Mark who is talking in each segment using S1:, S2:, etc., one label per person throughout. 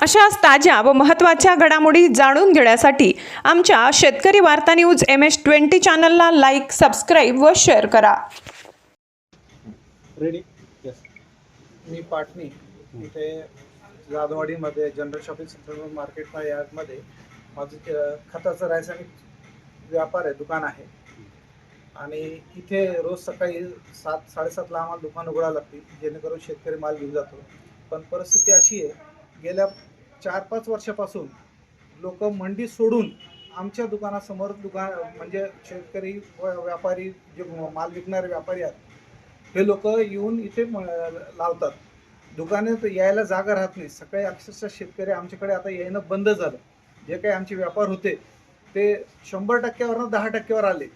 S1: अशाच ताज्या व महत्त्वाच्या घडामोडी जाणून घेण्यासाठी आमच्या शेतकरी वार्ता न्यूज MS-20 चॅनलला लाईक, सबस्क्राईब व शेअर करा.
S2: Ready yes.
S3: मी पाटणी इथे जाधववाडीमध्ये जनरल शॉपिंग सेंटर मार्केट यार्डमध्ये माझं खताचं रासायनिक व्यापार आहे, दुकान आहे. आणि इथे रोज सकाळी 7-7:30ला आम्हाला दुकान उघडावं लागते, जेणेकरून शेतकरी माल घेऊन जातो. पण परिस्थिती अशी आहे, गेल्या 4-5 वर्षापासून लोक मंडी सोडून आमच्या दुकानासमोर म्हणजे शेतकरी व व्यापारी जे माल विकणारे व्यापारी आहेत हे लोक येऊन इथे लावतात. दुकानात यायला जागा राहत नाही. सकाळी अक्षरशः शेतकरी आमच्याकडे आता येणं बंद झालं. जे काही आमचे व्यापार होते ते 100%वरनं 10%वर आले.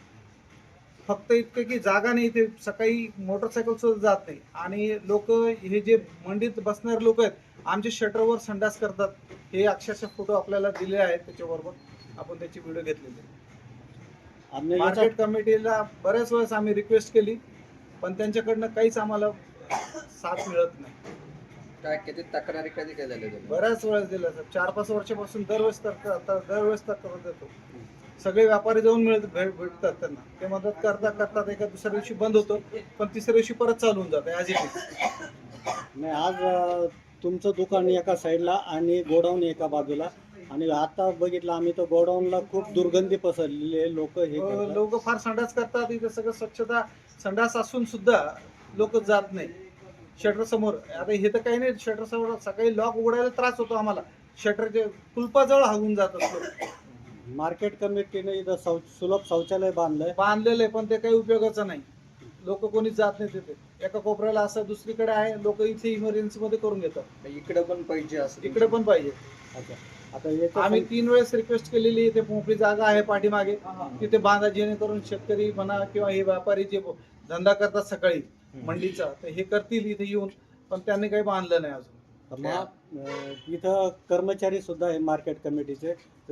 S3: फक्त इतकं की जागा नाही, इथे सकाळी मोटरसायकल सुद्धा जात नाही. आणि लोक हे जे मंडीत बसणारे लोक आहेत आमच्या शटरवर संडास करतात. हे अक्षरशः फोटो आपल्याला दिले आहेत, त्याच्याबरोबर आपण त्याची व्हिडिओ घेतलेली. मार्केट कमिटीला बऱ्याच वेळेस आम्ही रिक्वेस्ट केली, पण त्यांच्याकडनं काहीच आम्हाला साथ मिळत नाही.
S2: काय किती तक्रारी कधी केलेल्या?
S3: बऱ्याच वेळेस दिलं सर. 4-5 वर्षापासून दरवेळेस तक्रार देतो. सगळे व्यापारी जाऊन भेटतात त्यांना. ते मदत करतात. एका दुसऱ्या दिवशी बंद होतो, पण तिसऱ्या दिवशी परत चालू होऊन जातं ॲज इट इज.
S4: नाही, आज तुमचं दुकान एका साईडला आणि गोडाऊन एका बाजूला, आणि आता बघितलं आम्ही तर गोडाऊनला खूप दुर्गंधी पसरलेली.
S3: लोक फार संडास करतात. इथं सगळं स्वच्छता, संडास असून सुद्धा लोक जात नाही शटर समोर. आता हे तर काही नाही, शटर समोर सकाळी लॉक उघडायला त्रास होतो आम्हाला. शटरचे कुलपाजवळ हागून जात असतो.
S4: मार्केट कमिटीने इथं सुलभ शौचालय
S3: बांधलेलं आहे, पण ते काही उपयोगाचं नाही. लोक कोणी जात नाही तिथे. एका कोपऱ्याला असं दुसरीकडे आहे, लोक इथे इमर्जन्सी मध्ये करून घेतात.
S2: इकडे पण पाहिजे असं?
S3: इकडे पण पाहिजे.
S4: आता
S3: आम्ही 3 वेळेस रिक्वेस्ट केलेली. इथे मोकळी जागा आहे पाठीमागे, तिथे बांधा, जेणेकरून शेतकरी म्हणा किंवा हे व्यापारी जे धंदा करतात सकाळी मंडीचा, तर हे करतील इथे येऊन. पण त्यांनी काही बांधलं नाही अजून.
S4: इथं कर्मचारी सुद्धा आहे मार्केट कमिटीचे.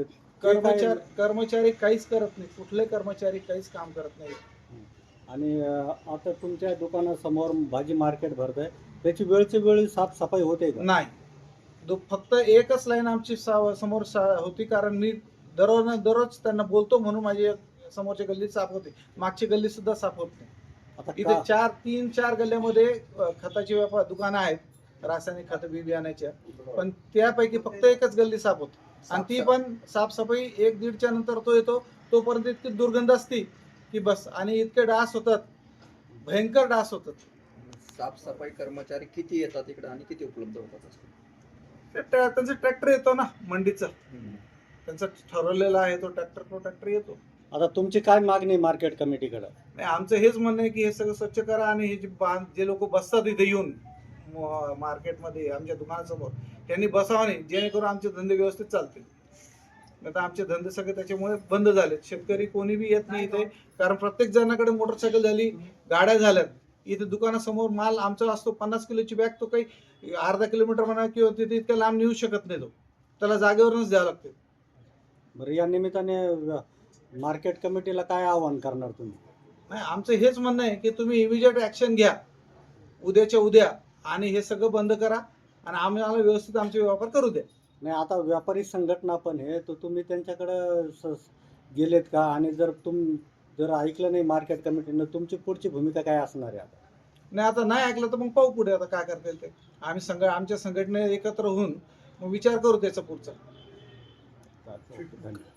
S3: कर्मचारी काहीच करत नाही. कुठले कर्मचारी काहीच काम करत नाही.
S4: आणि आता तुमच्या दुकानासमोर भाजी मार्केट भरत आहे, त्याची वेळची वेळ साफसफाई होते का?
S3: नाही. फक्त एकच लाईन आमची समोर होती, कारण मी दररोज त्यांना बोलतो म्हणून माझी समोरची गल्ली साफ होते. मागची गल्ली सुद्धा साफ होत नाही. इथे 3-4 गल्ल्यामध्ये खताची दुकानं आहेत, रासायनिक खत बियाण्याच्या, पण त्यापैकी फक्त एकच गल्ली साफ होते. आणि ती पण साफसफाई 1-1.5च्या नंतर तो येतो, तोपर्यंत इतकी दुर्गंध असती की बस. आणि इतके डास होतात, भयंकर डास होतात.
S2: साफसफाई कर्मचारी किती येतात इकडे आणि किती उपलब्ध होतात?
S3: त्यांचा ट्रॅक्टर येतो ना मंडीचा, त्यांचा ठरवलेला आहे तो ट्रॅक्टर येतो.
S4: आता तुमची काय मागणी मार्केट कमिटीकडे?
S3: नाही, आमचं हेच म्हणणं आहे की हे सगळं स्वच्छ करा. आणि हे जे लोक बसतात इथे येऊन मार्केटमध्ये आमच्या दुकानासमोर, त्यांनी बसावं नाही, जेणेकरून आमचे धंदे व्यवस्थित चालतील. आता आमचे धंदे सगळे त्याच्यामुळे बंद झालेत. शेतकरी कोणी बी येत नाही इथे, कारण प्रत्येक जणाकडे मोटरसायकल झाली, गाड्या झाल्यात. इथे दुकानासमोर माल आमचा असतो 50 किलोची बॅग, तो काही अर्धा किलोमीटर म्हणा किंवा तिथे इतक्या लांब नेऊ शकत नाही. तो त्याला जागेवरूनच द्यावं लागते.
S4: बरं, या निमित्ताने मार्केट कमिटीला काय आवाहन करणार तुम्ही?
S3: नाही, आमचं हेच म्हणणं आहे की तुम्ही इमिजिएट ॲक्शन घ्या उद्याच्या उद्या, आणि हे सगळं बंद करा आणि आम्हाला व्यवस्थित आमचे व्यापार करू द्या.
S4: नाही, आता व्यापारी संघटना पण आहे, तर तुम्ही त्यांच्याकडे गेलेत का? आणि जर ऐकलं नाही मार्केट कमिटीनं, तुमची पुढची भूमिका काय असणार आहे? आता
S3: नाही, आता नाही ऐकलं तर मग पाहू पुढे आता काय करता येईल ते. आम्ही आमच्या संघटने एकत्र होऊन मग विचार करू त्याचा पुढचा.
S4: धन्यवाद.